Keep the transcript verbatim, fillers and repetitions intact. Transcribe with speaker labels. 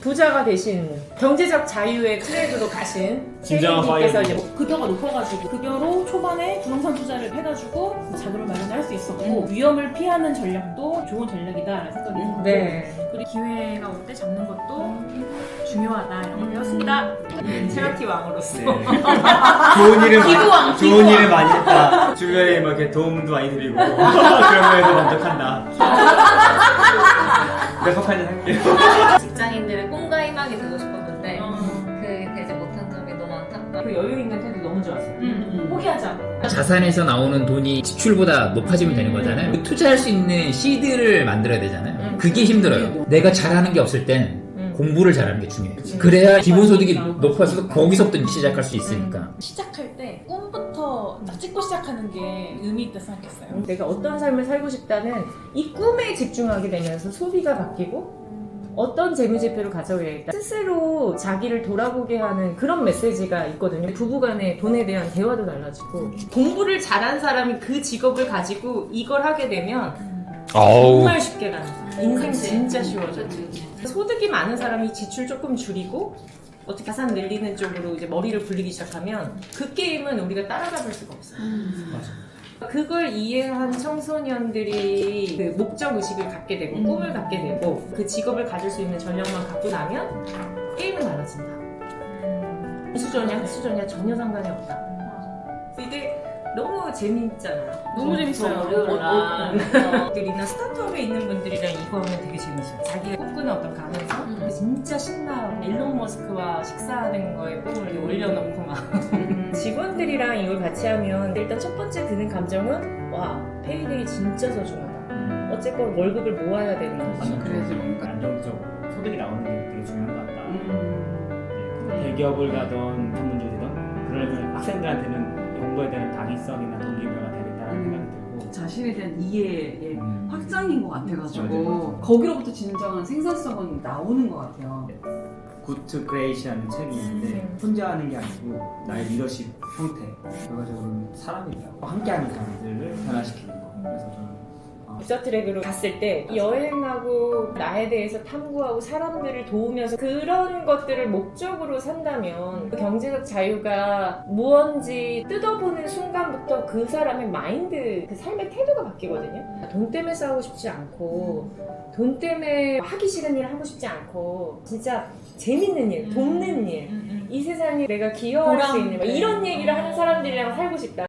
Speaker 1: 부자가 되신 경제적 자유의 트랙으로 가신
Speaker 2: 진정한
Speaker 1: 혜인님께서
Speaker 2: 파이어맨.
Speaker 1: 이제
Speaker 3: 급여가 높아가지고 급여로 초반에 부동산 투자를 해가지고 자금을 마련할 수 있었고
Speaker 1: 음.
Speaker 3: 위험을 피하는 전략도 좋은 전략이다라는 생각이 들고
Speaker 1: 네.
Speaker 3: 그리고 기회가 올 때 잡는 것도 중요하다 이런 걸 배웠습니다.
Speaker 1: 체라티 왕으로서
Speaker 2: 네. 좋은 일을
Speaker 3: 기부왕,
Speaker 2: 많이, 좋은
Speaker 3: 기부왕.
Speaker 2: 일을 많이 했다. 주변에 막 이렇게 도움도 많이 드리고 그런 거에서 만족한다. 몇 석까지 할게요.
Speaker 4: 직장인들의 꿈과 희망이 되고 싶었는데
Speaker 3: 어.
Speaker 4: 그 되지 못한 점이 너무 안타깝고
Speaker 1: 그 여유 있는 태도 너무 좋았어요.
Speaker 3: 음, 포기하자.
Speaker 5: 자산에서 나오는 돈이 지출보다 높아지면 되는 거잖아요. 투자할 수 있는 시드를 만들어야 되잖아요.
Speaker 1: 음.
Speaker 5: 그게 힘들어요. 내가 잘하는 게 없을 땐
Speaker 1: 음.
Speaker 5: 공부를 잘하는 게 중요해요.
Speaker 1: 그치.
Speaker 5: 그래야 기본소득이 높아서 거기서부터 시작할 수 있으니까.
Speaker 3: 시작할 때 꿈부터 딱 찍고 시작하는 게 의미 있다 생각했어요.
Speaker 1: 내가 어떤 삶을 살고 싶다는 이 꿈에 집중하게 되면서 소비가 바뀌고 어떤 재무제표를 가져야겠다 스스로 자기를 돌아보게 하는 그런 메시지가 있거든요. 부부간의 돈에 대한 대화도 달라지고 공부를 잘한 사람이 그 직업을 가지고 이걸 하게 되면 정말 쉽게 가는 거야. 인생
Speaker 4: 그치.
Speaker 1: 진짜 쉬워져.
Speaker 4: 그치, 그치.
Speaker 1: 소득이 많은 사람이 지출 조금 줄이고 어떻게 자산 늘리는 쪽으로 이제 머리를 굴리기 시작하면 그 게임은 우리가 따라잡을 수가 없어요. 그걸 이해한 청소년들이 그 목적 의식을 갖게 되고
Speaker 3: 음.
Speaker 1: 꿈을 갖게 되고 그 직업을 가질 수 있는 전력만 갖고 나면 게임은 달라진다. 수저냐 흑수저냐 전혀 상관이 없다. 이게 너무 재밌잖아요.
Speaker 3: 너무 재밌어요.
Speaker 1: 어려운 들이나 스타트업에 있는 분들이랑 이거 하면 되게 재밌어요. 자기가 꿈꾸는 어떤 가능성?
Speaker 4: 음.
Speaker 1: 그게 진짜 신나고 일론 머스크와 식사하는 거에 꿈을 올려놓고 막 직원들이랑 이걸 같이 하면 일단 첫 번째 드는 감정은 와 페이데이 진짜 소중하다. 어쨌건 월급을 모아야 되는 거지.
Speaker 2: 그래서 뭔가 안정적 소득이 나오는 게 되게 중요한 것 같다. 네, 대기업을 가던 전문직이 되던 그러면 학생들한테는 공부에 대한 당위성이나 동기부여가 되겠다는 생각이 들고
Speaker 6: 자신에 대한 이해의
Speaker 2: 음.
Speaker 6: 확장인 것 같아가지고
Speaker 2: 맞아요.
Speaker 6: 거기로부터 진정한 생산성은 나오는 것 같아요.
Speaker 2: 굿 크레이션이라는 책이 있는데
Speaker 1: 음.
Speaker 2: 혼자 하는 게 아니고 나의 리더십 형태 결과적으로 사람이라고 함께하는 사람들을 변화시키는 거. 그래서 저는 어,
Speaker 1: 부자트랙으로 갔을 때 여행하고 나에 대해서 탐구하고 사람들을 도우면서 그런 것들을 목적으로 산다면 그 경제적 자유가 무언지 뜯어보는 순간부터 그 사람의 마인드, 그 삶의 태도가 바뀌거든요. 돈 때문에 싸우고 싶지 않고 돈 때문에 하기 싫은 일 하고 싶지 않고 진짜 재밌는 일, 돕는 일, 이 세상에 내가 기여할 수
Speaker 3: 보람.
Speaker 1: 있는 뭐 이런 얘기를 하는 사람들이랑 살고 싶다.